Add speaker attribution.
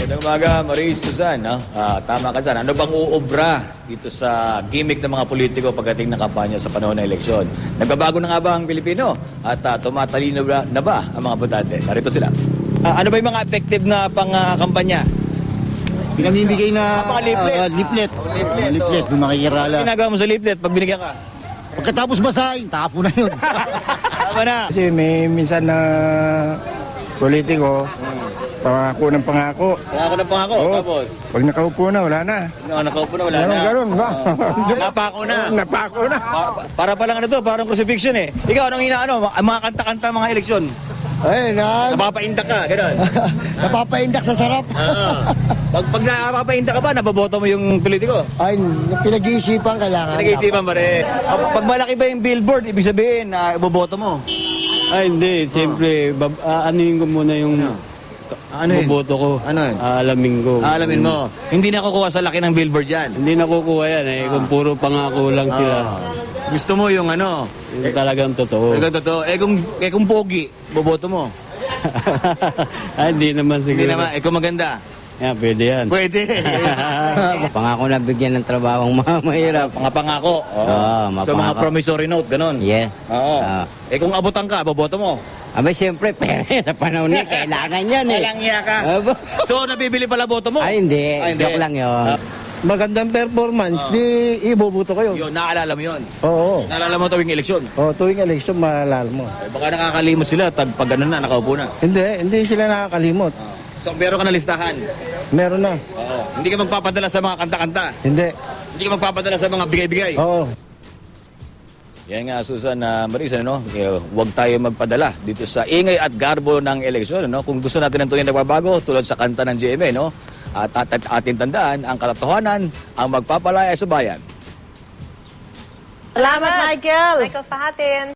Speaker 1: Magandang umaga, Marie Susan. No? Tama ka dyan. Ano bang uubra dito sa gimmick ng mga politiko pagdating ng kampanya sa panahon ng eleksyon? Nagbabago na nga ba ang Pilipino? At tumatalino na ba ang mga botante? Narito sila. Ano ba yung mga effective na pang-kampanya?
Speaker 2: Pinamimigay na
Speaker 1: mga leaflet.
Speaker 2: leaflet.
Speaker 1: Leaflet,
Speaker 2: Leaflet,
Speaker 1: oh.
Speaker 2: yung makikirala.
Speaker 1: Ginagawa mo sa leaflet pag binigyan ka?
Speaker 2: Pagkatapos basahin, tapo na yun.
Speaker 1: Tama na.
Speaker 3: Kasi may minsan na politiko, pangako ng pangako.
Speaker 1: Pangako ng pangako.
Speaker 3: Oo.
Speaker 1: Tapos?
Speaker 3: Pag nakaupo na, wala na.
Speaker 1: No, nakaupo na, wala na.
Speaker 3: Ganun, ba?
Speaker 1: Napako na.
Speaker 3: Napako na.
Speaker 1: Para palang ano to, parang crucifixion eh. Ikaw, anong inaano? Ang mga kanta-kanta, mga eleksyon.
Speaker 2: Ay,
Speaker 1: Napapaindak ka, gano'n.
Speaker 2: napapaindak sa sarap.
Speaker 1: Pag napapaindak ka ba, naboboto mo yung politiko?
Speaker 2: Ay, pinag-iisipan kailangan.
Speaker 1: Pinag-iisipan ba rin? Pag malaki ba yung billboard, ibig sabihin na iboboto mo?
Speaker 4: Ay, hindi. Siyempre, anuhin ko muna yung
Speaker 1: Ano yun?
Speaker 4: boboto ko.
Speaker 1: Ano yun?
Speaker 4: Aalamin ko.
Speaker 1: Alamin mo, hindi na kukuha sa laki ng billboard yan.
Speaker 4: Hindi nakukuha yan eh. Kung puro pangako lang sila.
Speaker 1: Gusto mo yung ano?
Speaker 4: Yung talagang totoo.
Speaker 1: Ikaw totoo. Kung pogi, boboto mo.
Speaker 4: Ay, hindi naman siguro.
Speaker 1: Hindi naman. Kung maganda.
Speaker 4: Yan, pwede yan.
Speaker 1: Pwede.
Speaker 5: Pangako na bigyan ng trabaho ang mga mahirap.
Speaker 1: Mga pangako.
Speaker 5: Oo, mga
Speaker 1: So mga
Speaker 5: pangako.
Speaker 1: promissory note, ganon.
Speaker 5: Yeah.
Speaker 1: Oo.
Speaker 5: Ah.
Speaker 1: Kung abutan ka, boboto mo.
Speaker 5: Abay, siyempre, pera sa panahon niya, kailangan yan eh.
Speaker 1: Walang iya ka.
Speaker 5: Aba.
Speaker 1: So nabibili pala boto mo?
Speaker 5: Ay, hindi.
Speaker 1: Ay, hindi.
Speaker 5: Joke lang yun.
Speaker 2: Magandang performance, di iboboto kayo.
Speaker 1: Yun, naalala mo yun.
Speaker 2: Oo.
Speaker 1: Naalala mo tuwing eleksyon.
Speaker 2: Tuwing election, maalala mo.
Speaker 1: Baka nakakalimot sila pag gano'n na, nakaupo na.
Speaker 2: Hindi sila nakakalimot.
Speaker 1: So meron ka na listahan.
Speaker 2: Meron na.
Speaker 1: Oo. Hindi ka magpapadala sa mga kanta-kanta.
Speaker 2: Hindi.
Speaker 1: Hindi ka magpapadala sa mga bigay-bigay.
Speaker 2: Oo.
Speaker 1: Yan nga, Susan, Marisa, no? Huwag tayo magpadala dito sa ingay at garbo ng eleksyon. No? Kung gusto natin ng tunay na nagbabago, tulad sa kanta ng GMA, no? At ating tandaan, ang katotohanan ang magpapalaya sa bayan.
Speaker 6: Salamat, Michael!
Speaker 7: Michael Fahatin.